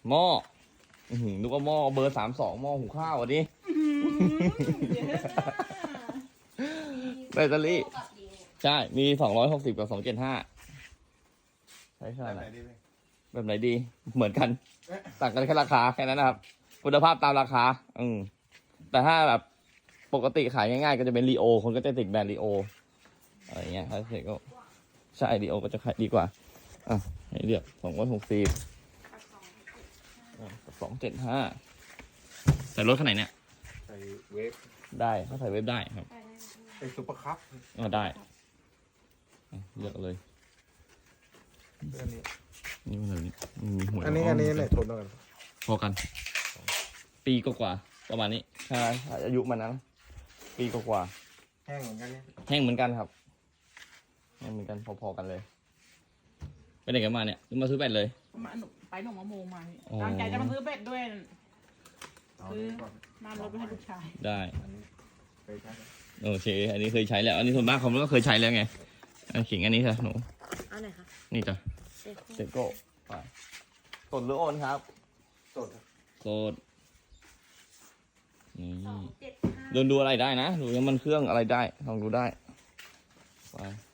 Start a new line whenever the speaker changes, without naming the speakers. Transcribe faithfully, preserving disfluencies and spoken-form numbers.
หม้อนึกว่าหม้อเบอร์สามสองหม้อหุงข้าวอ่ะดิแบตเตอรี่ใช่มีสองร้อยหกสิบกับสองเจ็ดห้าใช่ใช่แบบไหนดีเหมือนกันต่างกันแค่ราคาแค่นั้นนะครับคุณภาพตามราคาอืมแต่ถ้าแบบปกติขายง่ายๆก็จะเป็นลีโอคนก็จะติดแบรนด์ลีโออะไรเงี้ยถ้าเสร็จก็ใช่ลีโอก็จะขายดีกว่าอ่ะให้เลือกสองร้อยหกสิบสองเจ็ดห้าใส่รถขนาดไหนเนี่ย
ใส่เวฟ
ได้ถ้าใส่เวฟได้ครับ
ใส่ซุปเปอร์คัพ
อ๋อได้เลือกเลย
อันนี้
นี่มันอะไรมีหัว
อันนี้อันนี้ไหนทนกัน
พอกันปีกว่าประมาณนี้ใช่อายุมันนะปีกว่า
แห้งเหมือนกันเนี่ย
แห้งเหมือนกันครับแห้งเหมือนกันพอๆกันเลยไปไหนกันมาเนี่ยมาซื้อแบตเลย
มาไปหนองมะโมงมาตั้งใจจะมาซื้อเบ็ดด้วยซื้อน้ำรถไปให้ลูกชาย
ได้โอเคอันนี้เคยใช้แล้วอันนี้ส่วนมากเขาก็เคยใช้แล้วไงขิงอันนี้ค่ะหนู
อันไหนคะ
นี่จ้ะเซโก้สดหรือโอนครับ
สด
สดนี่เดินดูอะไรได้นะดูยังมันเครื่องอะไรได้ลองดูได้ไป